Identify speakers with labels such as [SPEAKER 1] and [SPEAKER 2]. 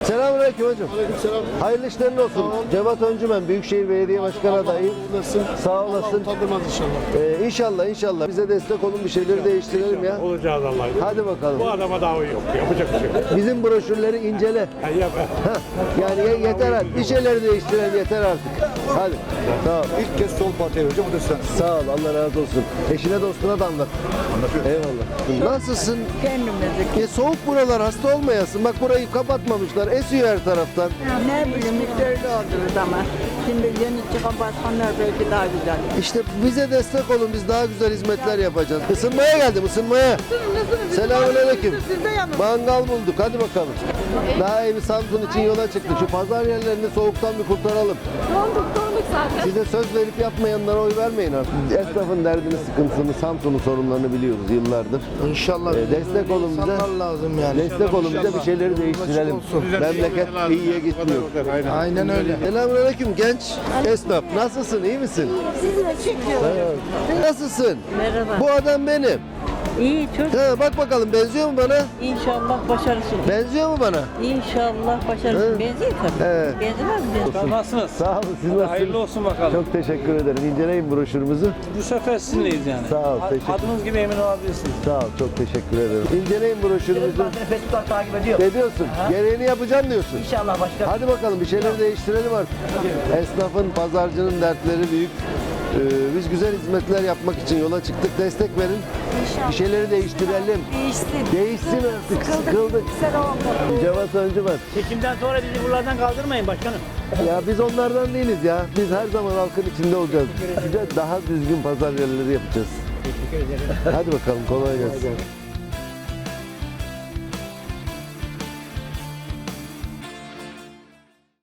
[SPEAKER 1] Selamünaleyküm hocam.
[SPEAKER 2] Aleykümselam.
[SPEAKER 1] Hayırlı işlerin olsun. Cevat Öncümen, Büyükşehir Belediye Başkanı adayı. Sağ olasın.
[SPEAKER 2] Utandırmaz inşallah.
[SPEAKER 1] İnşallah. Bize destek olun, bir şeyleri değiştirelim ya.
[SPEAKER 3] Olacağız Allah'ım.
[SPEAKER 1] Hadi bakalım.
[SPEAKER 3] Bu adama davet yok. Yapacak bir şey yok.
[SPEAKER 1] Bizim broşürleri incele.
[SPEAKER 3] Yap.
[SPEAKER 1] Yani yeter artık. Bir şeyleri değiştirelim yeter artık. Hadi. Tamam.
[SPEAKER 2] İlk kez sol partiye vereceğim, bu da sen.
[SPEAKER 1] Sağ ol. Allah razı olsun. Eşine dostuna da anlat. Eyvallah. Nasılsın?
[SPEAKER 4] Kendimizi.
[SPEAKER 1] Soğuk buralar, hasta olmayasın. Bak burayı kapatmamışlar. Esiyor her taraftan.
[SPEAKER 4] Ne bileyim işte öyle oldu ama. Şimdi yeni çıkan başkanlar belki daha güzel.
[SPEAKER 1] İşte bize destek olun. Biz daha güzel hizmetler yapacağız. Isınmaya geldim, ısınmaya. Selamünaleyküm. Mangal bulduk. Hadi bakalım. Daha iyi bir Samsun için yola çıktık. Şu pazar yerlerini soğuktan bir kurtaralım.
[SPEAKER 5] Donduk zaten.
[SPEAKER 1] Size söz verip yapmayanlara oy vermeyin artık. Esnafın derdini, sıkıntısını, Samsun'un sorunlarını biliyoruz yıllardır.
[SPEAKER 2] İnşallah.
[SPEAKER 1] Destek olun bize.
[SPEAKER 2] lazım yani.
[SPEAKER 1] Destek olun bize, bir şeyleri değiştirelim. Memleket iyiye gitmiyor.
[SPEAKER 2] Aynen öyle.
[SPEAKER 1] Selamünaleyküm genç esnaf. Nasılsın? İyi misin?
[SPEAKER 4] Sizi de çekiyorum.
[SPEAKER 1] Nasılsın?
[SPEAKER 4] Merhaba.
[SPEAKER 1] Bu adam benim.
[SPEAKER 4] İyi çok.
[SPEAKER 1] Bak bakalım benziyor mu bana?
[SPEAKER 4] İnşallah başarısın.
[SPEAKER 1] Benziyor mu bana?
[SPEAKER 4] İnşallah başarısın.
[SPEAKER 1] Hı.
[SPEAKER 4] Benziyor tabii.
[SPEAKER 1] Evet.
[SPEAKER 4] Benzemez mi?
[SPEAKER 6] Nasılsınız?
[SPEAKER 1] Sağ olun. Siz nasılsınız?
[SPEAKER 6] Hayırlı olsun bakalım.
[SPEAKER 1] Çok teşekkür ederim. İnceleyin broşürümüzü.
[SPEAKER 6] Bu sefer sizinleyiz yani.
[SPEAKER 1] Sağ ol, teşekkür.
[SPEAKER 6] Adınız gibi emin olabilirsiniz.
[SPEAKER 1] Sağ ol. Çok teşekkür ederim. İnceleyin broşürümüzü.
[SPEAKER 7] Facebook'tan takip ediyor.
[SPEAKER 1] Ne diyorsun? Gereğini yapacağım diyorsun.
[SPEAKER 7] İnşallah başka.
[SPEAKER 1] Hadi bakalım bir şeyleri değiştirelim artık. Esnafın, pazarcının dertleri büyük. Biz güzel hizmetler yapmak için yola çıktık. Destek verin. Bir şeyleri değiştirelim. Değişsin artık. Sıkıldık. Cevat Öncümen.
[SPEAKER 7] Çekimden sonra bizi buralardan kaldırmayın başkanım.
[SPEAKER 1] Ya biz onlardan değiliz ya. Biz her zaman halkın içinde olacağız. Size daha düzgün pazar yerleri yapacağız. Hadi bakalım kolay gelsin.